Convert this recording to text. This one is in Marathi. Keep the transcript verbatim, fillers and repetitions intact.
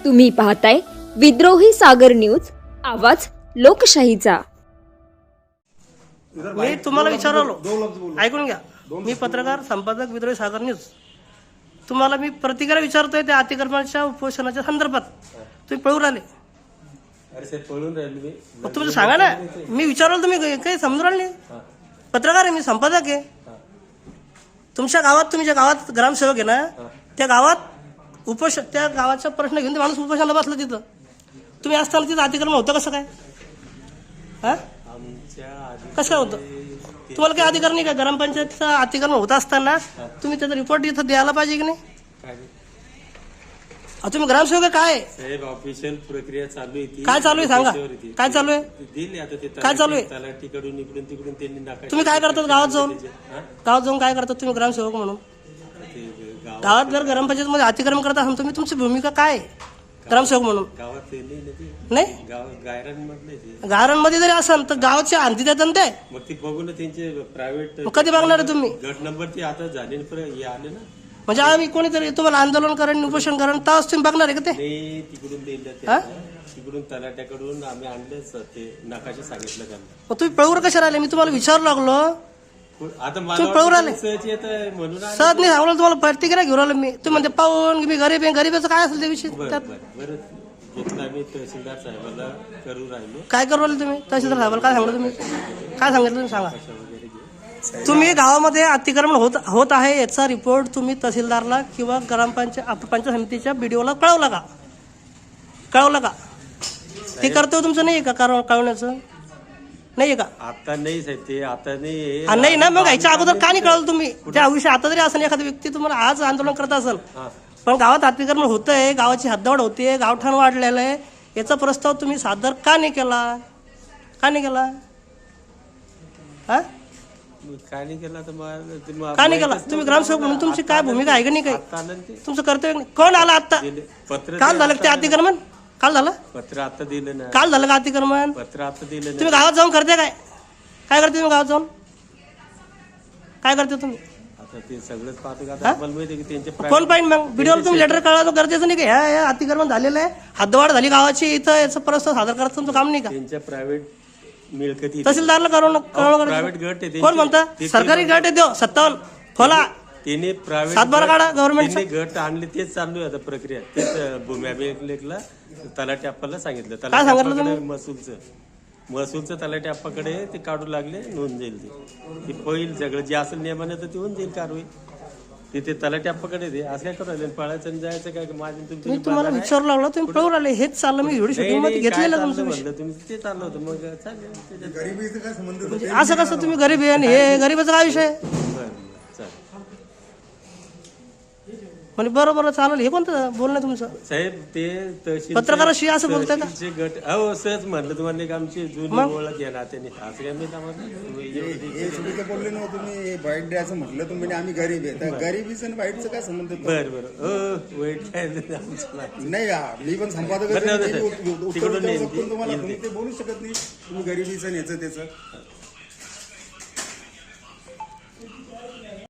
तुम्ही पाहताय विद्रोही सागर न्यूज, आवाज लोकशाहीचा। मी तुम्हाला विचारलो, ऐकून घ्या। मी पत्रकार संपादक विद्रोही सागर न्यूज। तुम्हाला मी प्रतिक्रिया विचारतोय त्या अतिक्रमणाच्या उपोषणाच्या संदर्भात। तुम्ही पळून राहिले। अरे साहेब पळून राहिले मी। मग तुम्ही सांगा ना, मी विचारलं तुम्ही काही समजून राहिले? पत्रकार आहे मी, संपादक आहे। तुमच्या गावात, तुम्ही ज्या गावात ग्रामसेवक आहे ना, त्या गावात उपोष त्या गावाचा प्रश्न घेऊन ते माणूस उपोषणाला बसला तिथं। तुम्ही असताना तिथं अतिक्रमण होतं कसं काय? हा कसं काय होतं? तुम्हाला काही अधिकार नाही का? ग्रामपंचायतचं अतिक्रमण होत असताना तुम्ही त्याचा रिपोर्ट इथं द्यायला पाहिजे की नाही? तुम्ही ग्रामसेवक काय साहेब? ऑफिशियल प्रक्रिया चालू आहे। काय चालू आहे सांगा? काय चालू आहे? दिले आता ते काय चालू आहे? तलाठीकडून इकडून तिकडून त्यांनी नकाशा। तुम्ही काय करतात गावात जाऊन? गावात जाऊन काय करतात तुम्ही ग्रामसेवक म्हणून? गावात जर ग्रामपंचायत मध्ये अतिक्रमण करत असाल तुम्ही, तुमची भूमिका काय ग्रामसेवक म्हणून? गावात नाही, गायरांमध्ये गारांमध्ये जरी असाल तर गावाची आणती देतात ना ते। मग ती बघू ना त्यांचे प्रायव्हेट। कधी बघणार आहे तुम्ही? गट नंबर ती आता झाले आले ना, म्हणजे आम्ही कोणीतरी तुम्हाला आंदोलन करेन, उपोषण करेन, तेव्हाच तुम्ही बघणार आहे का ते? नाही, तिकडून दिलं तिकडून तलाट्याकडून आम्ही आणलेच ते नकाशे सांगितलं त्यांना। मग तुम्ही पळवर कशा राहिले? मी तुम्हाला विचारू लागलो, आता तुम्ही पळून आले सहज येत म्हणून सहज नाही सांगलं तुम्हाला प्रतिक्रिया घेऊन आलो मी। तुम्ही म्हणते पाहून मी गरीब आहे, गरीबाचं काय असेल त्याविषयी त्यात बरं घेतलं आम्ही तहसीलदार साहेबाला करू राहिलो। काय करू राहिले तुम्ही? तहसीलदार साहेबाला काय सांगलं तुम्ही? काय सांगितलं तुम्ही सांगा? तुम्ही गावामध्ये अतिक्रमण होत होत आहे याचा रिपोर्ट तुम्ही तहसीलदारला किंवा ग्रामपंचायत पंचायत समितीच्या बीडीओला कळवला का? कळवलं का? ते कर्तव्य तुमचं नाही का कारण कळवण्याचं? नाही का? आता नाही साहेब, ते आता नाही नाही ना, मग याच्या अगोदर का नाही कळवलं तुम्ही? त्या विषयी आता जरी असेल एखादी व्यक्ती तुम्हाला आज आंदोलन करत असेल, पण गावात अतिक्रमण होतंय, गावाची हद्दवाढ होते, गावठाण वाढलेलं आहे, याचा प्रस्ताव तुम्ही सादर का नाही केला? का नाही केला? हा काय नाही केला तर का नाही केला? तुम्ही ग्रामसेवक म्हणून तुमची काय भूमिका आहे का नाही? काही तुमचं कर्तव्य नाही? कोण आला आता? पत्र काल झालं ते अतिक्रमण? काल झालं? पत्र आता दिलं ना। काल झालं का अतिक्रमण? पत्र आता दिलं ना। तुम्ही गावात जाऊन करते काय? काय करते तुम्ही गावात जाऊन? काय करते तुम्ही? आता ते सगळंच पाहतो का? आपल्याला माहिती की त्यांचे कोण पाहिजे मग? व्हिडिओला तुम्ही लेटर कळवा गरजेचं नाही का? ह्या अतिक्रमण झालेलं आहे, हद्दवाढ झाली गावाची, इथं याचा प्रस्ताव सादर करायचं तुमचं काम नाही का? त्यांच्या प्रायव्हेट मिळकती तहसीलदारला कळवणं कळवणं प्रायव्हेट गट आहे। कोण म्हणतं? सरकारी गट आहे देव सत्तावन्न खोला त्यांनी प्रायव्हेट सातबारा काढा गव्हर्नमेंट गट आणले, तेच चालू आहे आता प्रक्रिया। तेच भूमी अभिलेखला तलाठी आप्पाला सांगितलं, काय सांगितलं तुम्ही? महसूलचं महसूलचं तलाठी आप्पाकडे ते काढू लागले, नोंद जाईल ते पहिल सगळं जे असेल नियमाने तर ते होऊन जाईल कारवाई। ते ते तलाठी आप्पाकडे दे, असं काय करायला पळायचं आणि जायचं काय? माझे मी तुम्हाला विचारू लागलो, तुम्ही पळून आले, हेच चाललं मी व्हिडिओ शूटिंग मध्ये घेतलेलं तुमचं विषय। म्हणलं तुम्ही ते चाललं होतं, मग चालेल। असं कसं तुम्ही गरीब आहे आणि हे गरीबाचा काय विषय? म्हणजे बरोबर चालेल, हे कोणतं बोलणं तुमचं? साहेब ते तहसील पत्रकाराशी असं बोलताय का? गट अहो सहज म्हटलं तुम्हाला एक आमची जुनी ओळख आहे ना, त्यांनी असं काय मी चुकीचं बोलले ना तुम्ही, वाईट द्यायचं म्हटलं तुम्ही, आम्ही गरीब आहे तर गरीबीचं आणि वाईटचं काय संबंध? बरं बरं वाईट काय नाही, मी पण संपादक तुम्हाला ते बोलू शकत नाही तुम्ही गरीबीचं याचं त्याचं।